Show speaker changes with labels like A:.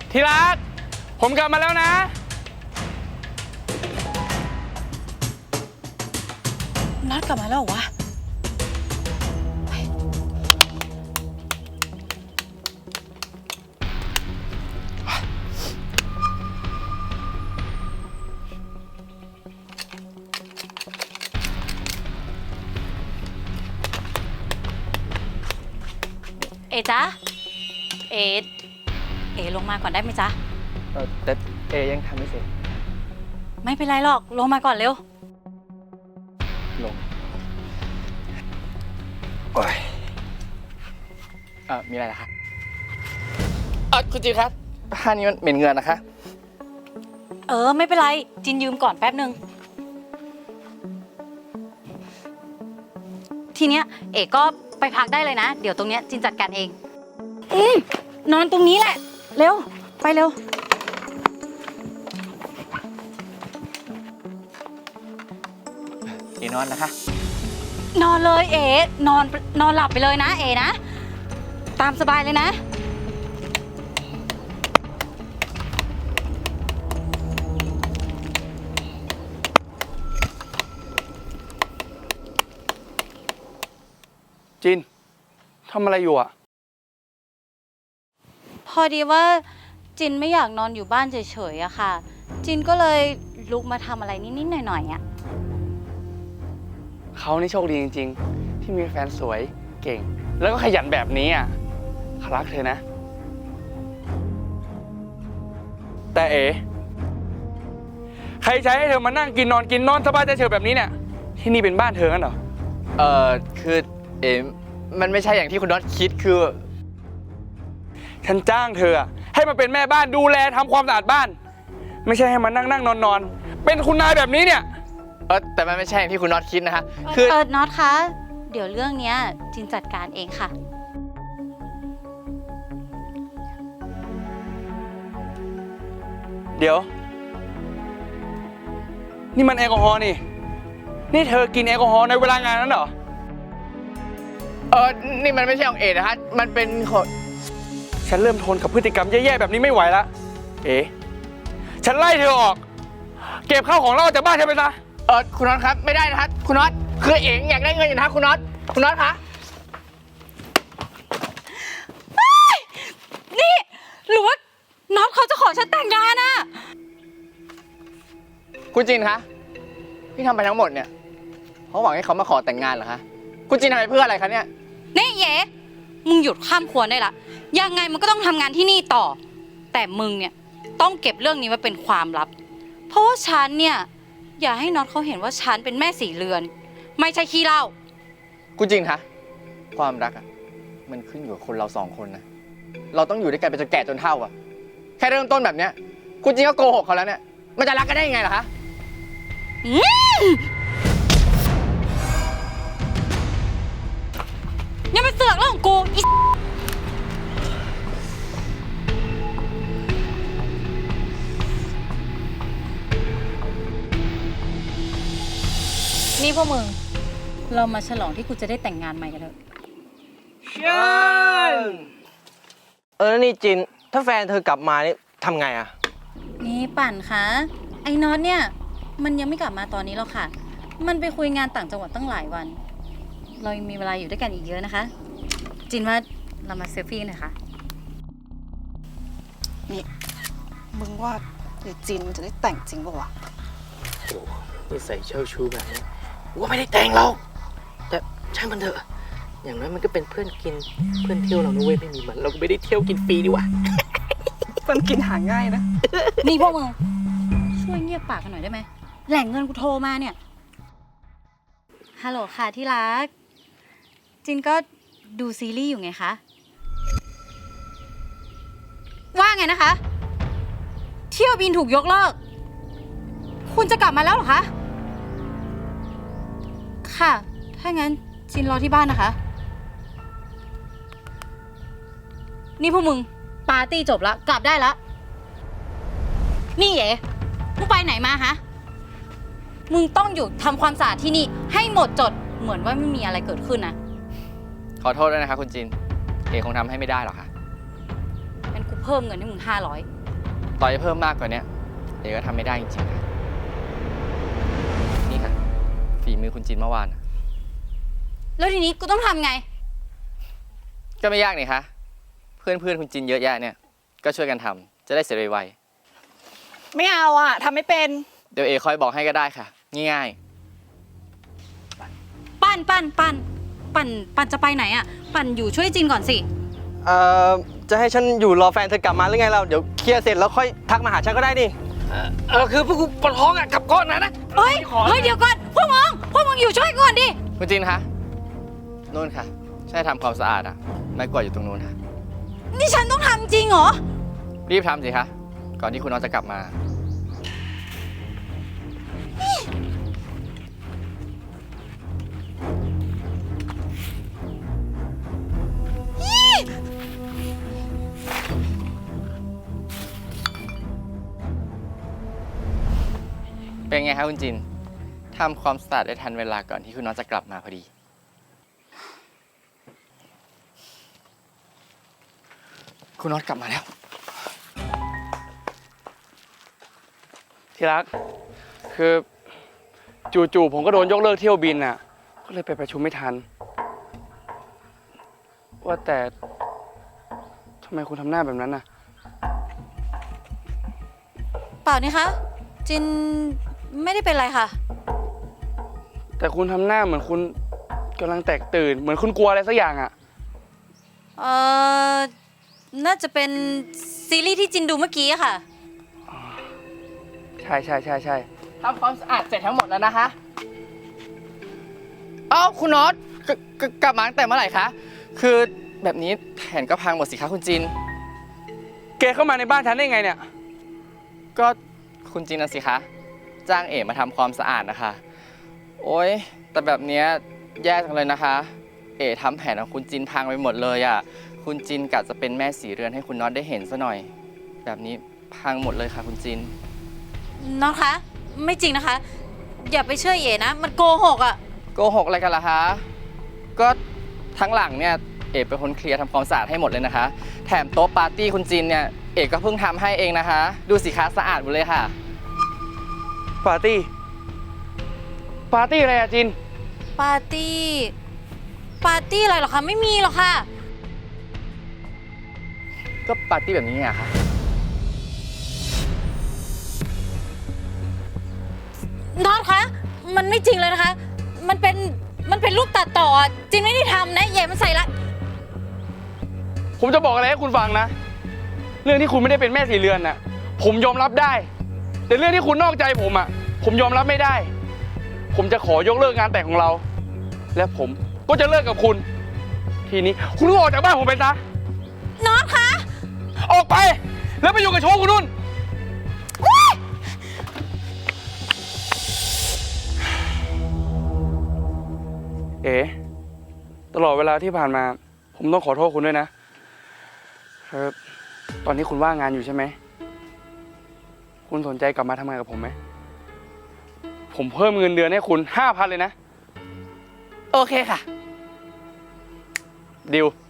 A: ที่รักผมกลับมาแล้วนะ
B: นัดกลับมาแล้วเหรอวะเอจ๊ะเอลงมาก่อนได้ไหมจ๊ะ
A: แต่เอยังทำไม่เสร็จ
B: ไม่เป็นไรหรอกลงมาก่อนเร็ว
A: ลงโอ้ยมีอะไรล่ะคะคุณจีครับผ้านี้มันเหม็นเหงื่อนะคะ
B: ไม่เป็นไรจินยืมก่อนแป๊บนึงทีเนี้ยเอกก็ไปพักได้เลยนะเดี๋ยวตรงเนี้ยจินจัดการเองนอนตรงนี้แหละเร็วไปเร็ว
A: นอนนะคะ
B: นอนเลยนอนหลับไปเลยนะนะตามสบายเลยนะ
A: จินทำอะไรอยู่อ่ะ
B: พอดีว่าจินไม่อยากนอนอยู่บ้านเฉยๆอะค่ะจินก็เลยลุกมาทำอะไรนิดๆหน่อยๆอะ
A: เขานี่โชคดีจริงๆที่มีแฟนสวยเก่งแล้วก็ขยันแบบนี้อ่ะเขารักเธอนะแต่ใครใช้ให้เธอมานั่งกินนอนสบายใจเฉยแบบนี้เนี่ยที่นี่เป็นบ้านเธอกันเหรอ
C: คือมันไม่ใช่อย่างที่คุณน็อตคิดคือ
A: ฉันจ้างเธอให้มาเป็นแม่บ้านดูแลทำความสะอาดบ้านไม่ใช่ให้มานั่งนอนเป็นคุณนายแบบนี้เนี่ย
C: แต่มันไม่ใช่อย่างที่คุณน็อตคิดนะคะ
B: คือน็อตคะเดี๋ยวเรื่องเนี้ยจินจัดการเองค่ะ
A: เดี๋ยวนี่มันแอลกอฮอล์นี่เธอกินแอลกอฮอล์ในเวลางานนั้นเหรอ
C: นี่มันไม่ใช่ของนะคะมันเป็นของ
A: ฉันเริ่มทนกับพฤติกรรมแย่ๆแบบนี้ไม่ไหวละฉันไล่เธอออกเก็บข้าวของเราจากบ้านเธอไปซะ
C: คุณน็อตครับไม่ได้นะครับคุณน็อตคืออยากได้เงินอยู่นะคุณน็อตคะ
B: นี่หรือว่าน็อตเขาจะขอฉันแต่งงานอะ
C: คุณจินคะที่ทำไปทั้งหมดเนี่ยเพราะหวังให้เขามาขอแต่งงานเหรอคะคุณจินทำไปเพื่ออะไรคะเนี่ย
B: นี่มึงหยุดข้ามควรได้ละยังไงมันก็ต้องทำงานที่นี่ต่อแต่มึงเนี่ยต้องเก็บเรื่องนี้ไว้เป็นความลับเพราะว่าฉันเนี่ยอย่าให้น็อตเขาเห็นว่าฉันเป็นแม่สีเรือนไม่ใช่ขี้เหล้า
C: คุณจินคะความรักมันขึ้นอยู่กับคนเราสองคนนะเราต้องอยู่ด้วยกันไปจนแก่จนเฒ่าแค่เริ่มต้นแบบเนี้ยคุณจินก็โกหกเขาแล้วเนี่ยมันจะรักกันได้ยังไงล่ะคะ
B: อย่ามาเสือกเรื่องของกูนี่พวกมึงเรามาฉลองที่กูจะได้แต่งงานใหม่กันเถอะ
A: เชิญ
C: นี่จินถ้าแฟนเธอกลับมานี่ทำไง
B: นี่ปั่นคะไอ้น็อตเนี่ยมันยังไม่กลับมาตอนนี้หรอกค่ะมันไปคุยงานต่างจังหวัดตั้งหลายวันเรายังมีเวลาอยู่ด้วยกันอีกเยอะนะคะจินว่าเรามาเซลฟี่หน่อยค่ะ
D: นี่มึงว่าเดี๋ยวจินมันจะได้แต่งจริงป่าวะ
E: โอ้นี่ใส่เช่าชูแบบนี้ว่าไม่ได้แต่งเราแต่ช่างมันเถอะอย่างน้อยมันก็เป็นเพื่อนกินเพื่อนเที่ยวเรานะเว้ยไม่มีมันเราก็ไม่ได้เที่ยวกินฟรีดีวะ
D: เพื่อนกินหาง่ายนะ
B: นี่พวกมึงช่วยเงียบปากกันหน่อยได้ไหมแหล่งเงินกูโทรมาเนี่ยฮัลโหลค่ะที่รักจินก็ดูซีรีส์อยู่ไงคะว่าไงนะคะเที่ยวบินถูกยกเลิกคุณจะกลับมาแล้วเหรอคะค่ะถ้างั้นจินรอที่บ้านนะคะนี่พวกมึงปาร์ตี้จบแล้วกลับได้แล้วนี่มึงไปไหนมาฮะมึงต้องอยู่ทำความสะอาดที่นี่ให้หมดจดเหมือนว่าไม่มีอะไรเกิดขึ้นนะ
C: ขอโทษด้วยนะคะคุณจินคงทำให้ไม่ได้หรอกค่ะ
B: งั้นกูเพิ่มเงินให้มึง500
C: ต่อให้เพิ่มมากกว่านี้เอ๋ก็ทำไม่ได้จริงๆค่ะนี่ค่ะฝีมือคุณจินเมื่อวาน
B: แล้วทีนี้กูต้องทำไง
C: ก็ไม่ยากนี่คะเพื่อนคุณจินเยอะแยะเนี่ยก็ช่วยกันทำจะได้เสร็จไว
D: ไม่เอาอะทำไม่เป็น
C: ๆเดี๋ยวเอคอยบอกให้ก็ได้ค่ะง่าย
B: ปั่นจะไปไหนอะปั่นอยู่ช่วยจินก่อนสิ
F: จะให้ฉันอยู่รอแฟนเธอกลับมาหรือไงเราเดี๋ยวเคลียร์เสร็จแล้วค่อยทักมาหาฉันก็ได้นี่
E: คือพวกกูปวดท้องอ่ะกลับก่อนนะ
B: เฮ้ยเดี๋ยวก่อน พวกมึงอยู่ช่วยก่อนดิ
C: ๆคุณจินคะนู่นค่ะใช่ทำความสะอาดอ่ะไม้กวาดอยู่ตรงนู้นค่ะ
B: นี่ฉันต้องทำจริงเหรอ
C: รีบทำสิคะก่อนที่คุณน้องจะกลับมา เป็นไงคะคุณจินทำความสะอาดได้ทันเวลาก่อนที่คุณน้องจะกลับมาพอดี คุณน้องกลับมาแล้ว
A: ที่รัก คือจู่ๆผมก็โดนยกเลิกเที่ยวบินอ่ะ ก็เลยไปประชุมไม่ทัน ว่าแต่ทำไมคุณทำหน้าแบบนั้นน่ะ
B: เปล่านี่คะ จินไม่ได้เป็นไรค่ะ
A: แต่คุณทำหน้าเหมือนคุณกำลังแตกตื่น เหมือนคุณกลัวอะไรสักอย่างอ่ะ
B: เอ่อ น่าจะเป็นซีรีส์ที่จินดูเมื่อกี้อะค่ะ
A: ใช่
C: ทำความสะอาดเสร็จทั้งหมดแล้วนะคะ เอ้าคุณน็อตกลับมาตั้งแต่เมื่อไหร่คะ คือแบบนี้แผนก็พังหมดสิคะคุณจิน
A: แกเข้ามาในบ้านฉันได้ไงเนี่ย
C: ก็คุณจินนะสิคะ จ้างเอ๋มาทำความสะอาดนะคะ โอ๊ย แต่แบบเนี้ยแย่จังเลยนะคะ เอ๋ทำแผนของคุณจินพังไปหมดเลยอ่ะ คุณจินกะจะเป็นแม่สีเรือนให้คุณน็อตได้เห็นซะหน่อย แบบนี้พังหมดเลยค่ะคุณจิน
B: น้องคะ ไม่จริงนะคะ อย่าไปเชื่อเอ๋นะ มันโกหกอะ
C: โกหกอะไรกันล่ะคะ ก็ทั้งหลังเนี่ยเอกเป็นคนเคลียร์ทำความสะอาดให้หมดเลยนะคะ แถมโต๊ะปาร์ตี้คุณจินเนี่ยเอกก็เพิ่งทำให้เองนะคะ ดูสิคะสะอาดหมดเลยค่ะ
A: ปาร์ตี้อะไรอะจิน
B: ปาร์ตี้อะไรหรอคะ ไม่มีหรอกค่ะ
C: ก็ปาร์ตี้แบบนี้ไงคะ
B: น้องคะ มันไม่จริงเลยนะคะ มันเป็นรูปตัดต่ออะจินไม่ได้ทำนะเย่มันใส่ละ
A: ผมจะบอกอะไรให้คุณฟังนะ เรื่องที่คุณไม่ได้เป็นแม่สีเรือนน่ะ ผมยอมรับได้ แต่เรื่องที่คุณนอกใจผมอ่ะ ผมยอมรับไม่ได้ ผมจะขอยกเลิกงานแต่งของเรา และผมก็จะเลิกกับคุณ ทีนี้คุณก็ออกจากบ้านผมไปซะ
B: น้องคะ
A: ออกไป แล้วไปอยู่กับโชว์คุณนุ่น เอ๋ตลอดเวลาที่ผ่านมา ผมต้องขอโทษคุณด้วยนะครับตอนนี้คุณว่างงานอยู่ใช่ไหม คุณสนใจกลับมาทำงานกับผมไหม ผมเพิ่มเงินเดือนให้คุณ 5,000 เลยนะ
C: โอเคค่ะ
A: ดิว